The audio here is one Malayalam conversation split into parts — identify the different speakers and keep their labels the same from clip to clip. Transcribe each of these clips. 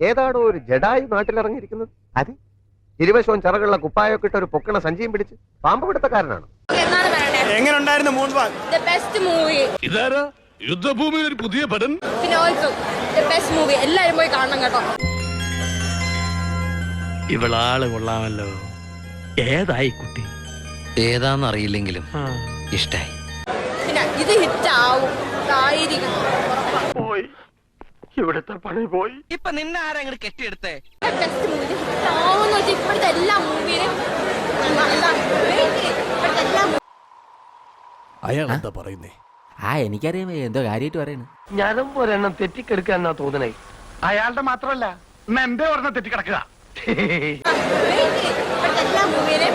Speaker 1: ഏതാണോ ഒരു ജഡായു നാട്ടിലിറങ്ങിയിരിക്കുന്നത്? അത് ഇരുവശവും ചിറകുള്ള കുപ്പായൊക്കെ ഇട്ട് ഒരു പൊക്കണ സഞ്ചിയും പിടിച്ച് പാമ്പ് പിടുത്തക്കാരനാണ്.
Speaker 2: എങ്ങനെ ഉണ്ടായിരുന്നു മൂൺവാക്ക്?
Speaker 3: The best movie.
Speaker 4: ഇതാരാ യുദ്ധഭൂമിയിൽ ഒരു പുതിയ പടം?
Speaker 3: പിന്നെ also the best movie. എല്ലാരും പോയി കാണണം കേട്ടോ.
Speaker 4: ഇവളാള് കൊള്ളാമല്ലോ. ഏതായി കുട്ടി?
Speaker 5: ഏതാന്നറിയില്ലെങ്കിലും ഇഷ്ടായി.
Speaker 3: പിന്നെ ഇത് ഹിറ്റ് ആവും.
Speaker 4: പോയി ഇവിടുത്തെ പണി പോയി.
Speaker 5: ഇപ്പൊ നിന്നെ ആരാ അങ്ങോട്ട് കെട്ടിയെടുത്തേ?
Speaker 3: ബെസ്റ്റ് മൂവി ഹിറ്റ് ആവുമെന്ന് വെച്ചാൽ ഇപ്പോഴത്തെ എല്ലാ മൂവിയിലും
Speaker 4: അയാൾ എന്താ പറയുന്നേ?
Speaker 6: എനിക്കറിയാം എന്തോ കാര്യമായിട്ട് പറയണ.
Speaker 7: ഞാനും ഒരെണ്ണം തെറ്റിക്കെടുക്കാന്നാ തോന്നണേ. അയാളുടെ മാത്രമല്ല എന്റെ ഒരെണ്ണം തെറ്റിക്കിടക്കുക.
Speaker 3: ഇപ്പോഴത്തെ എല്ലാ മൂവിയിലും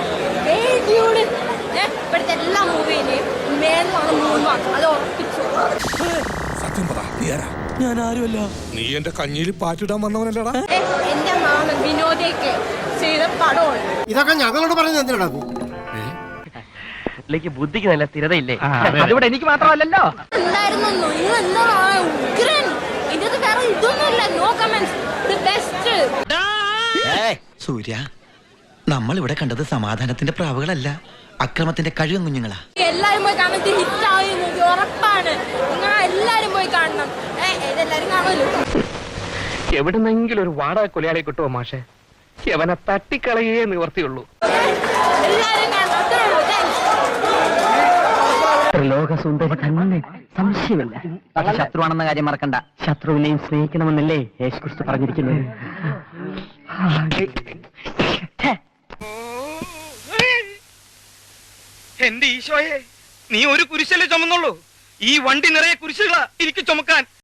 Speaker 3: ഇപ്പോഴത്തെ എല്ലാ മൂവിയിലും മേലാണ് മൂന്നാണ്. അത് ഉറപ്പിച്ചു.
Speaker 4: സത്യം പറ, നീ ആരാ? ഞാൻ ആരുമല്ല. നീ എന്റെ കഞ്ഞിയിൽ പാറ്റിടാൻ വന്നവനല്ലടാ.
Speaker 3: എന്റെ മാമൻ വിനോദയ്ക്ക് ചെയ്ത പടമാണ്
Speaker 1: ഇതൊക്കെ ഞങ്ങളോട് പറയുന്നത് എന്തിനാ?
Speaker 7: ബുദ്ധിക്ക് നല്ല സ്ഥിരതയില്ലേ? അതിവിടെ എനിക്ക് മാത്രമല്ലല്ലോ.
Speaker 3: ഉണ്ടായിരുന്നു. നിങ്ങൾ എന്താണ് ഉഗ്രൻ? ഇതിനകത്ത് വേറെ ഇതൊന്നുമില്ല. No comments. The best.
Speaker 5: Surya, നമ്മൾ ഇവിടെ കണ്ടത് സമാധാനത്തിന്റെ പ്രാവുകളല്ല, അക്രമത്തിന്റെ കഴിവും കുഞ്ഞുങ്ങളാ.
Speaker 3: എല്ലാരും പോയി കാണുന്നത് ഹിറ്റ് ആവുന്നത് ഉറപ്പാണ്. നിങ്ങൾ എല്ലാരും പോയി കാണണം. ഇതെല്ലാരും കാണുമല്ലോ.
Speaker 7: എവിടുന്നെങ്കിലും ഒരു വാടക കൊലയാളെ കിട്ടുമോ മാഷെ? അവനെ തട്ടിക്കളയേ നിവർത്തിയുള്ളൂ.
Speaker 3: എല്ലാരും കാണണം. അത്രേ ഉള്ളൂ.
Speaker 7: ലോകസുന്ദരി തന്നെ, സംശയമില്ല. പക്ഷെ ശത്രുവാണെന്ന കാര്യം മറക്കണ്ട. ശത്രുവിനെയും സ്നേഹിക്കണമെന്നല്ലേ യേശുക്രിസ്തു പറഞ്ഞിരിക്കുന്നത്.
Speaker 2: എന്റെ ഈശോയെ, നീ ഒരു കുരിശല്ലേ ചുമന്നുള്ളൂ? ഈ വണ്ടി നിറയെ കുരിശുകളാ എനിക്ക് ചുമക്കാൻ.